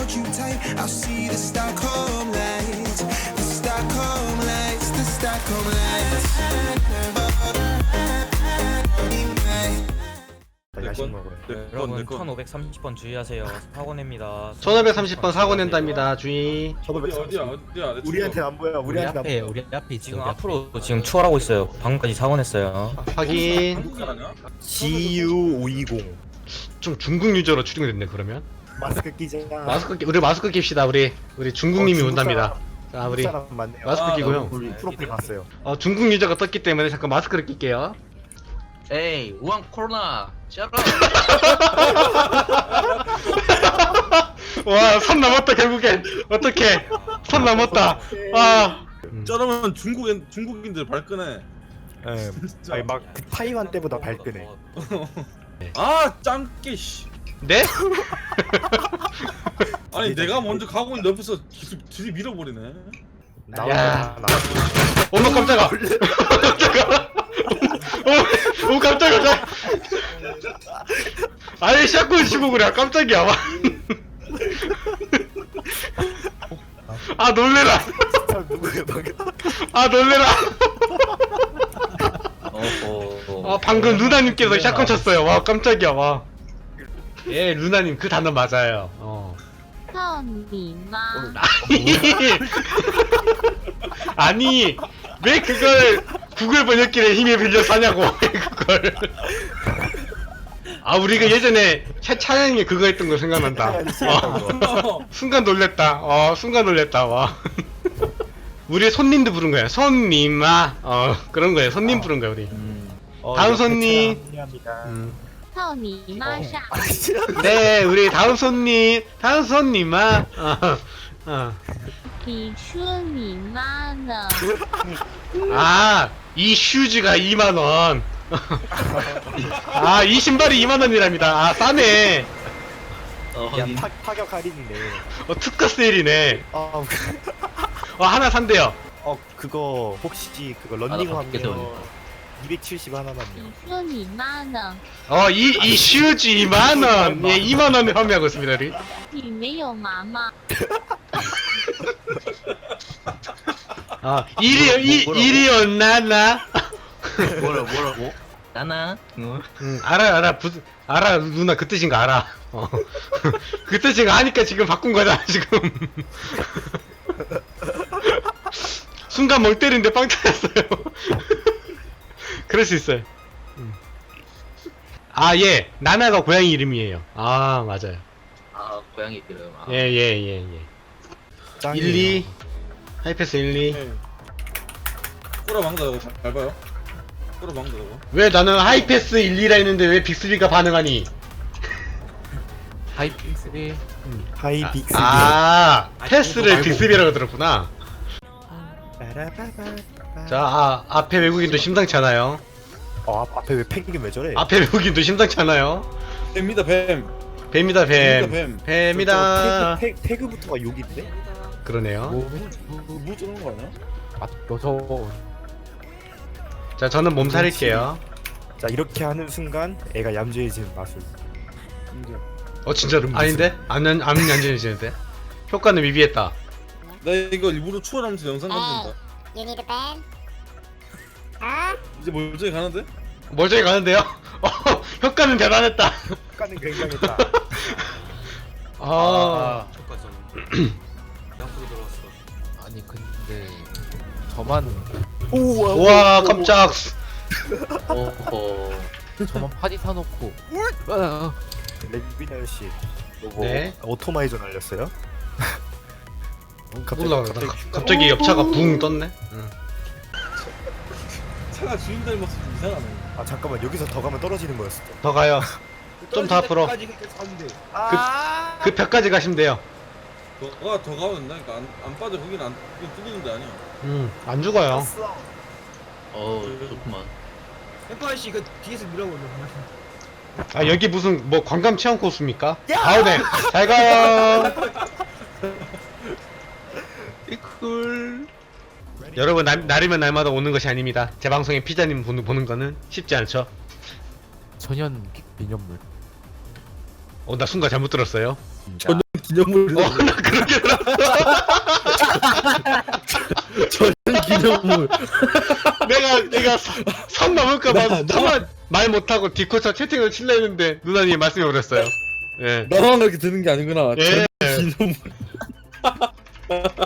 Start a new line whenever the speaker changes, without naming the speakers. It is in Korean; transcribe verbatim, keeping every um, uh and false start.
hold you tight. I'll see the Stockholm lights, the Stockholm lights, the Stockholm lights.
야식
내건
먹어요.
여러분
내건
천오백삼십 번 주의하세요. 사고 냅니다.
천오백삼십 번 사고 낸답니다. 주의.
어디 어디야 어디야 내
우리한테 안 보여.
우리
우리한테 안
앞에
보여.
우리 앞에 있지.
지금
우리 앞에.
앞으로 지금 추월하고 있어요. 방금까지 사고 냈어요.
확인.
한국 아니야?
지 유 오이공
좀 중국 유저로 추정이 됐네 그러면.
마스크 끼자.
마스크 끼, 우리 마스크 낍시다. 우리 우리 중국님이
어, 중국
온답니다. 자
우리
우리
사람 많네요.
마스크
아,
끼고요.
우리 프로필 봤어요.
어, 중국 유저가 떴기 때문에 잠깐 마스크를 낄게요.
에이 우한 코로나. 샤라.
와, 선 넘었다 결국엔. 어떻게? 선 넘었다. 아.
저러면 중국인 중국인들 발끈해.
예. 아니 막그 타이완 때보다 발끈해.
아 짱깨 씨.
네?
아니 내가 먼저 가고 있는데 옆에서 계속 들이 밀어버리네.
야.
나와 나.
어머 깜짝아. 깜짝아. 오, 오 깜짝아. 깜짝. 아니 샷건 치고 그래. 깜짝이야. 와. 아 놀래라.
누구야 방금?
아 놀래라.
어허.
아 방금 루나님께서 샷건 쳤어요. 와 깜짝이야. 와. 예 루나님 그 단어 맞아요. 어.
操你妈！
아니 아니 왜 그걸 구글 번역기를 힘에 빌려서 하냐고. 왜 그걸. 아 우리가 예전에 차, 차양이 그거 했던 거 생각난다. 어. 순간 놀랬다. 어 순간 놀랬다. 와. 우리 손님도 부른 거야. 손님아. 어 그런 거야. 손님 부른 거야 우리.
어,
다음
옆에
손님.
차량 합리합니다.
음.
操你妈下！
네 우리 다음 손님. 다음 손님아. 어. 어.
你说你妈呢？
아, 이 슈즈가 이만 원. 아, 이 신발이 이만 원이랍니다. 아, 싸네.
어
야
확인.
타, 타격 할인이네.
어, 특가 세일이네.
어,
어, 하나 산대요.
어 그거 혹시 그거
아, 나
런닝
밖에
하면
세우니까.
이백칠십 하나만요.
你说你妈呢？
어, 이, 이 슈즈 이만 원. 예, 이만 원에 판매하고 있습니다, 우리.
你没有妈妈？
아, 일이, 이,
뭐라고?
일이었나나?
뭐라 뭐라고? 나나. 응.
응, 알아, 알아. 부, 알아, 누나 그 뜻인 거 알아. 어. 그 뜻인 거 아니까 지금 바꾼 거잖아, 지금. 순간 멍 때리는데 빵 터졌어요. 그럴 수 있어요. 음. 아, 예. 나나가 고양이 이름이에요. 아, 맞아요.
아 고양이 이름. 아.
예, 예, 예, 예.
짱이에요.
일, 이. 하이패스 일, 이.
네. 꼬라 망다 저거 잘 봐요. 꼬라 망다 저거.
왜 나는 하이패스 일, 이라 했는데 왜 빅스비가 반응하니?
하이핑스비.
하이 빅스.
아,
아니,
패스를
그거 말고.
빅스비라고 들었구나.
빠라바바바.
자, 아, 앞에 외국인도 심상치 않아요.
어 앞, 앞에 왜 펭귄 왜 저래?
앞에 외국인도 심상치 않아요.
뱀이다 뱀.
뱀이다, 뱀.
뱀.
뱀이다.
저 태그, 태그, 태그부터가 욕인데?
그러네요.
뭐 저런 거 아니야?
아 저.
자, 저는 몸살일게요.
자 이렇게 하는 순간 애가 얌전해지는 마술.
인정.
어, 진짜로? 아닌데? 안, 안, 안 안전해지는데? 효과는 미비했다.
나 이거 일부러 추월하면서 영상 만든다.
You need a pen？
이제 멀쩡히 가는데?
멀쩡히 가는데요? 어, 효과는 대단했다.
효과는 굉장했다.
아,
옆으로 들어왔어.
아니 근데 저만
우와.
우와, 깜짝.
어허. 저만 파디 사놓고. 아,
레비나 씨. 요거
네.
오토마이저 날렸어요?
몰라, 갑자기, 갑자기 옆차가 붕 떴네. 응.
차가 주인 닮았어 좀 이상하네.
아 잠깐만 여기서 더 가면 떨어지는 거였어.
더 가요. 좀 더 앞으로.
아.
그 벽까지 가시면 돼요.
너가 더 가면 된다니까. 안, 안 빠져 거긴 안 거긴 뚫리는 데 아니야.
음, 안 죽어요.
어 좋구만.
햄퍼씨 그 뒤에서 밀어보는
아, 여기 무슨 뭐 관광 체험 코스입니까? 아우네. 잘 가요. 이쿨. 여러분, 날, 날이면 날마다 오는 것이 아닙니다. 제 방송에 피자님 보는, 보는 거는 쉽지 않죠.
천연 기념물.
어, 나 순간 잘못 들었어요.
자,
기념물이
어, 나 그렇게
저는 기념물.
내가 내가 선- 선 넘을까봐
나- 나-
차마 말 못하고 디코차 채팅을 칠려 했는데 누나님이 말씀해 버렸어요. 예.
나만 그렇게 드는 게 아니구나.
예.
저는 기념물.